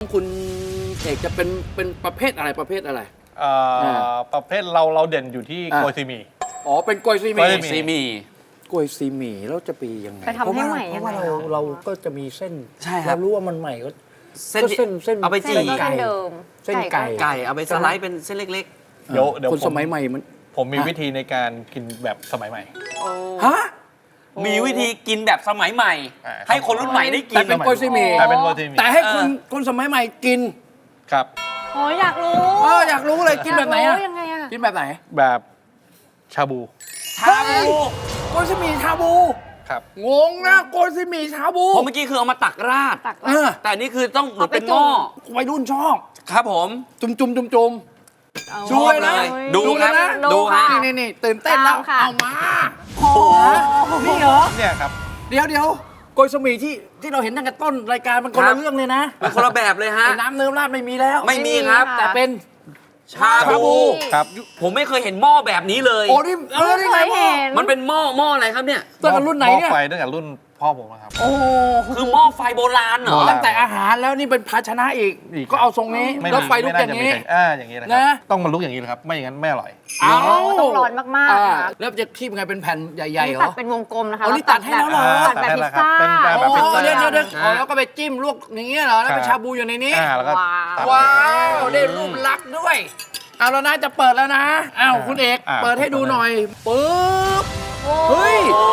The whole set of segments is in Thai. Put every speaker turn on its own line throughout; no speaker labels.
คุณเอกจะเป็นประเภทอะไรประเภทอะไร
ประเภทเราเด่นอยู่ที่โกยซีหมี่
อ๋อเป็นกล้วยซีห
กล้วยซี
มี่
หมี่
ซีหมี
กล้วยซีหมี่แล้วจะไปยังไง
ไปทำให้ใหม่
เพ
ยัง
ราะ
ไง
ว่าเราก็จะมีเส้น
ใช่ครับ
เรารู้ว่ามันใหม่ก็
เส้น
ก็เส้น
เอาไปจี่
เส้นก็
ไก่
เดิม
เส้นไก่
ไก่เอาไปสไลด์เป็นเส้นเล็ก
เดี๋ยว
คนสมัยใหม่มัน
ผมมีวิธีในการกินแบบสมัยใหม่
ฮะ
ๆ มีวิธีกินแบบสมัยใหม่
อ่า
ให้คนรุ่นใหม่ได้กิ
แต่
น
เป็นกล้วยซีหมี่
แต่เป็นโกยซีหมี่
แต่ให้คนสมัยใหม่กิน
ครับ
โอ้ยอยากรู้
อยากรู้เลยกินแบบไหน
อยา
อะ
กรู้ยังไงอะ
กินแบบไหน
แบบชาบู
ชาบู
กล้วยซีหมี่ชาบู
ครับ
งงนะกล้วยซีหมี่ชาบู
เพราะเมื่อกี้คือเอามาตักราด
ตัก
เออ
แต่อันนี่คือต้องเหมือน
เอาไป
เป็นหม้อ
วัยรุ่นชอบ
ครับผม
จุ่ม
เอา
ชอบเลย
ดู
ดู
ค
เล
รั
ย
บ
นะ
ดูฮะ
นี่ตื่นเต้นแล้ว
ตามค่ะ
เอามาโอ้โหนี่เหรอ
เนี่ยครับ
เดี๋ยวกล้วยซีหมี่ที่เราเห็นตั้งแต่ต้นรายการมันคนละเรื่องเลยนะ
เป็นคนละแบบเลยฮะ
ไอ้น้ำเนิ้มราดไม่มีแล้ว
ไม่มีครับ
แต่เป็น
ชาบู
ครับ
ผมไม่เคยเห็นหม้อแบบนี้เลย
โอ้นี่นี่
เค
ไง
ยเห็น
มันเป็นหม้ออะไรครับเนี่ย
ตั้งแต่รุ่นไหนเนี่ย
หม้อไฟตั้งแต่รุ่นพ่อผมนะครับ
โอ้โห
คือหม้อไฟโบราณเหรอ
โบราณ
ตั้งแต่อาหารแล้วนี่เป็นภาชนะอีก
อีก
ก็เอาทรงนี้
ไม่
แล้ว
มี
ไฟลุก
ไม่
อ
น่
ย่างนี้
จะมีใครอย่างนี้นะครั
นะ
ต้องมันลุกอย่างนี้เลยครับ ไม่อย่างนั้นไม่อร่อย
เอา
ต้องร้อนมากๆ
อ่
ค่ะ
แล้วจะคีบไงเป็นแผ่นใหญ่ๆเหร
ตั
อ
ดเป็นวงกลมนะคะ
อ๋อนี่ตัดให้แล้วเหรอ
ตัดแบบพิซซ่า
เป็นแบบ
โอ้
พิซซ่า
เดี๋ยวแล้วก็ไปจิ้มลวกอย่างเงี้ยเหรอแล้วเป็นชาบูอยู่ในนี้
แล้วก็ตัด
ว้าวได้รูปลักษณ์ด้วยเอาแล้วนะจะเปิดแล้วนะอ้าวคุณเอก
อ่า
เปิดให้ดูหน่อยปึ๊บเฮ้ย
โอ้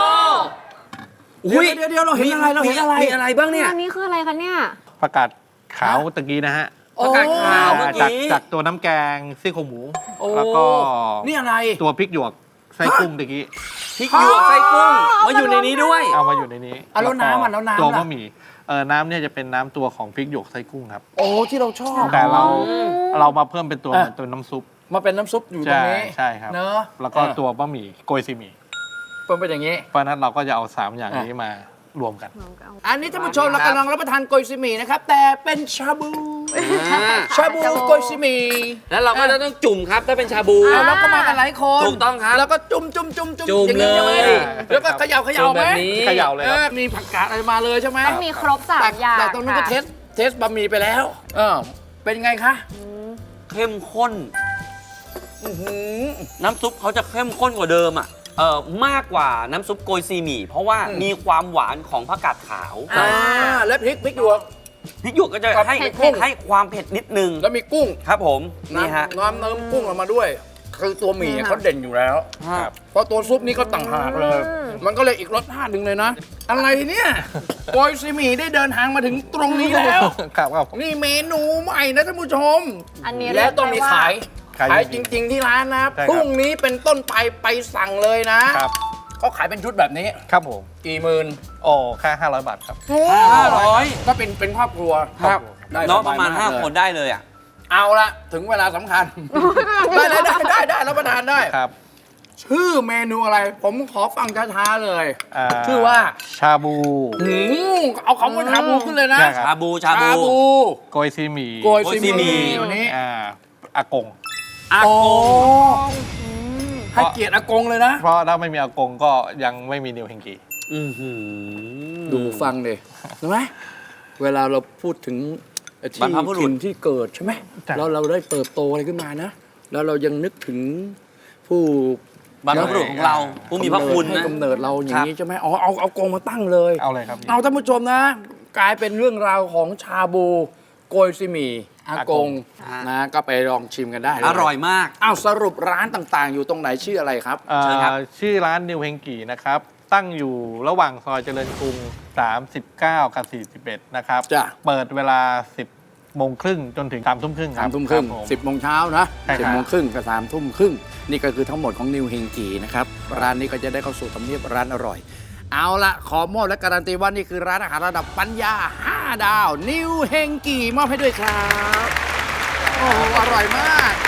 เดี๋ยวเราเห็นอะไรเราเห็นอะไร
มีอะไรบ้างเนี่ย
อันนี้คืออะไรคะเนี่ย
ประกาศขาวตะกี้นะฮะ
ประกาศขาวเมื่อ
จาก
กี้
จากตัวน้ำแกงซี่โครงหมู
โอ้
แล้วก็
นี่อะไร
ตัวพริกหยวกไส้กุ้งตะกี้
พริกหยวกไส้กุ้งมาอยู่ในนี้ด้วย
เอามาอยู่ในนี้
อ่ะแล้วน้ำอ่ะแล้วน้ำ
ตัว
ล่ะ
บะหมี่น้ำเนี่ยจะเป็นน้ำตัวของพริกหยวกไส้กุ้งครับ
โอ้ที่เราชอบ
แต่เรามาเพิ่มเป็นตัว
อ่ะ
เหมือนตัวน้ำซุป
มาเป็นน้ำซุปอยู่ตรงนี้
ใช่ครับ
เนอะ
แล้วก็ตัวบะหมี่โกยซีหมี่
เป็นอย่างนี้
เพราะฉะนั้นเราก็จะเอา3อย่างนี้มารวมกัน
อันนี้ท่านผู้ชมเรากำลังรับประทานโกยซีหมี่นะครับ แต่เป็นชาบู
อ่า
ชาบูโกยซีหมี่
แล้วเราก็จะต้องจุ่มครับถ้าเป็นชาบู
เอาแล้วก็มากันหลายคน
ถูกต้องครับ
แล้วก็จุ่ม
จุ่ม
อย่างนี้ใช่ไหม
เลย
แล้วก็เขย่า
จุ่ม
ไหม
แบบนี้
เขย่าเลยครับ
มีผักกาดอะไรมาเลยใช่ไหม
ต้องมีครบสามอย่าง
แต่ตรงนู้นก็
ค่ะ
เทสบะหมี่ไปแล้วเป็นไงคะ
เข้มข้น น้ำซุปเขาจะเข้มข้นกว่าเดิมอ่ะมากกว่าน้ำซุปโกยซีหมี่เพราะว่ามีความหวานของผักกาดขาว
และพริกหยวก
พริกหยวกก็จะให้
เผ็ด
ให้ความเผ็ดนิดนึง
แล้วมีกุ้ง
ครับผมนี่ฮะ
น้ำเนิ้มกุ้งออกมาด้วย คือตัวหมี่เขาเด่นอยู่แล้ว
ครับ
เพราะตัวซุปนี่ก็ต่างหากเลย มันก็เลยอีกรสชาติหนึ่งเลยนะ อะไรเนี่ยโกยซีหมี่ได้เดินทางมาถึงตรงนี้แล้ว
ครับครับ
นี่เมนูใหม่นะท่านผู้ชม
อันนี้
และต้องมีขาย
ขาย
ขาย
จ
จ
ริง
ริง ๆ ที่ร้านนะ
ใช่ครับ
พรุ่งนี้เป็นต้นไปสั่งเลยนะครับ เขาขายเป็นชุดแบบนี้
ครับผม
กี่หมื่น
โอ้แค่500 บาทครับ
500
ก็เป็นครอบครัว
ครับ
ได้
น้อง
ส
ป
บย
ระมาณ
กเลย
5 คนได้เลยอ่ะ
เอาละถึงเวลาสำคัญ ได้รับประทานได้
ครับ
ชื่อเมนูอะไร ผมขอฟังช้าๆเลย
า
ชื่อว่า
ชาบู
เอาคำว่าชาบูขึ้นเลยนะ
ใช่ครับ
ชาบูชาบู
โกยซีหมี่
โกยซีห
โกยซีหมี่
มี่วันนี้
อากง
อา
โอ้
โกง
ให้เกียรติอากงเลยนะ
เพราะถ้าไม่มีอากงก็ยังไม่มีนิวเฮงกี
อื้อหือ
ดูฟังดิใช่ไหมเวลาเราพูดถึงที่
บรรพบุรุษ
ถิ่นที่เกิดใช่ไหมแล้วเราได้เติบโตอะไรขึ้นมานะ แล้วเรายังนึกถึงผู้
บรรพบุรุษของเราผู้มีพระคุณ
ให้
นะ
กำเนิดเราอย่างนี้ใช่ไหมอ๋อเอากงมาตั้งเลย
เอาเลยครับ
เอาท่านผู้ชมนะ กลายเป็นเรื่องราวของชาบูโกยซีหมี่อากง
ฮะ
นะก็ไปลองชิมกันได้เล
อร่อยมาก
อ้าวสรุปร้านต่างๆ อยู่ตรงไหนชื่ออะไรครับ
เอ่อ
เชิญครับ
ชื่อร้านนิวเฮงกีนะครับ ตั้งอยู่ระหว่างซอยเจริญกรุง 39 กับ 41 นะครับ
จ้ะ
เปิดเวลา 10 โมงครึ่งจนถึง 3 ทุ่มครึ่งครั
สา
บ
มทุ่มครึ่ง
บผม
10 โมงเช้านะ
ใช่ครับ
10 โมงครึ่งกับ3 ทุ่มครึ่งนี่ก็คือทั้งหมดของนิวเฮงกีนะครับ ร้านนี้ก็จะได้เข้าสู่ทำเนียบร้านอร่อย เอาละขอมอบและการันตีว่านี่คือร้านอาหารระดับปัญญา 5 ดาว นิวเฮงกีมอบให้ด้วยครับ โอ้โหอร่อยมาก